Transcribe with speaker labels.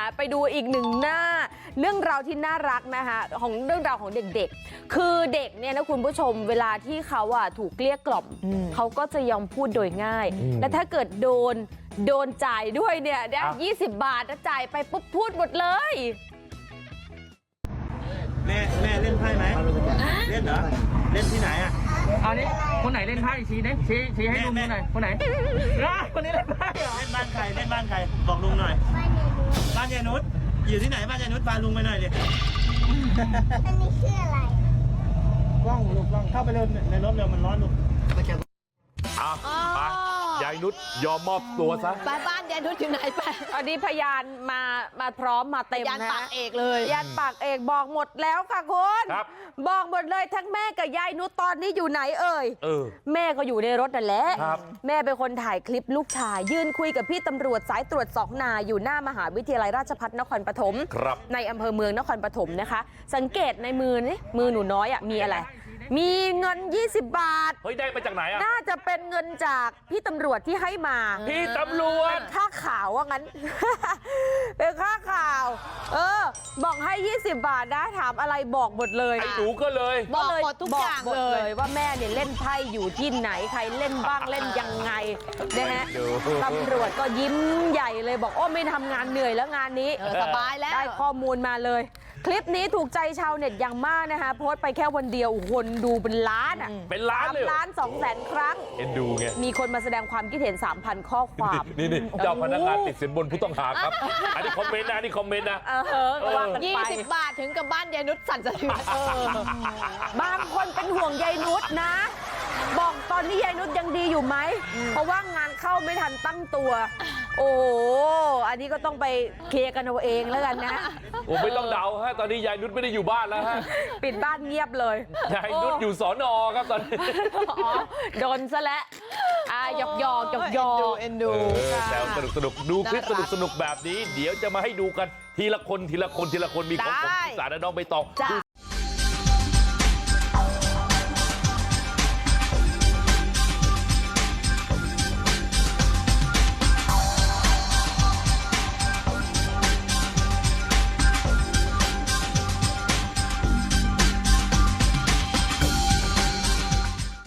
Speaker 1: ไปดูอีกหนึ่งหน้าเรื่องราวที่น่ารักนะคะของเรื่องราวของเด็กๆคือเด็กเนี่ยนะคุณผู้ชมเวลาที่เขาถูกเกลี้ยกล่อมเขาก็จะยอมพูดโดยง่ายและถ้าเกิดโดนจ่ายด้วยเนี่ย20 บาทจ่ายไปปุ๊บพูดหมดเลย
Speaker 2: แม่เล่นไพ่ไหมเล่นเหรอเล่นที่ไหนอ่ะ
Speaker 3: เอานี้คนไหนเล่นไพ่ชี้ดิชี้ให้ลุงดูหน่อยคนไหนคนนี้เล่นไพ่เหรอ
Speaker 2: เล่นบ้านใครเล่นบ้านใครบอกลุงหน่อยบ้านยายนุชอยู่ที่ไหนบ้านยายนุชพาลุงไปหน่อยดิ
Speaker 4: อันนี้ชื่ออะไร
Speaker 2: กล้องลูกกล้องเข้าไปเร็วในรถเร็วมันร้อนลูก
Speaker 5: ไปยายนุชยอมมอบตัวซะ
Speaker 4: ไปบ้านยายนุชอยู่ไหนไป
Speaker 1: อันนี้พยานมาพร้อมมาเต็มนะ
Speaker 4: พยานปากเอกเลย
Speaker 1: พยานปากเอกบอกหมดแล้วค่ะคุณบอกหมดเลยทั้งแม่กับยายนุชตอนนี้อยู่ไหนเอ่ยแม่ก็อยู่ในรถนั่นแหละแม่เป็นคนถ่ายคลิปลูกชายยืนคุยกับพี่ตำรวจสายตรวจ2 นายอยู่หน้ามหาวิทยาลัยราชภัฏนครปฐมในอำเภอเมืองนครปฐมนะคะสังเกตในมือนี่มือหนูน้อยมีอะไรมีเงิน20 บาท
Speaker 5: เฮ้ยได้มาจากไหนอ่ะ
Speaker 1: น่าจะเป็นเงินจากพี่ตำรวจที่ให้มา
Speaker 5: พี่ตำรวจ
Speaker 1: ค่าข่าวว่างั้น เป็นค่าข่าวบอกให้20 บาทนะถามอะไรบอกหมดเลย
Speaker 5: ไอ้หนูก็เลย
Speaker 4: บอกหมดทุกอย่าง
Speaker 1: เลยว่าแม่เนี่ยเล่นไพ่อยู่ที่ไหนใครเล่นบ้างเล่นยังไงนะฮะตำรวจก็ยิ้มใหญ่เลยบอกโอ้ไม่ทำงานเหนื่อยแล้วงานนี้
Speaker 4: สบายแล้ว
Speaker 1: ได้ข้อมูลมาเลยคลิปนี้ถูกใจชาวเน็ตอย่างมากนะคะโพสต์ไปแค่วันเดียวคนดูเป็นล้าน
Speaker 5: เป็นล้านเลย
Speaker 1: 3,200,000 ครั้ง
Speaker 5: เอ็นดูไง
Speaker 1: มีคนมาแสดงความคิดเห็น 3,000 ข้อความ
Speaker 5: นี่เจ้าพนักงานติดสินบนผู้ต้องหาครับอันนี้คอมเมนต์นะ
Speaker 4: 20 บาทถึงกับบ้านยายนุชสั่นสะเทือน
Speaker 1: บางคนเป็นห่วงยายนุชนะบอกตอนนี้ยายนุชยังดีอยู่ไหมเพราะว่างานเข้าไม่ทันตั้งตัวโอ้อันนี้ก็ต้องไปเคลียร์กันเอาเองแล้วกันนะ
Speaker 5: โอ้ไม่ต้องเดาฮะตอนนี้ยายนุชไม่ได้อยู่บ้านแล้วฮะ
Speaker 1: ปิดบ้านเงียบเลย
Speaker 5: ยายนุชอยู่สน.ครับตอนนี้
Speaker 1: โดนซะแล้วหยอก
Speaker 4: เอ็นดู
Speaker 5: แซวสนุกดูคลิปสนุกแบบนี้เดี๋ยวจะมาให้ดูกันทีละคนมีของผมสารน้องใบตอง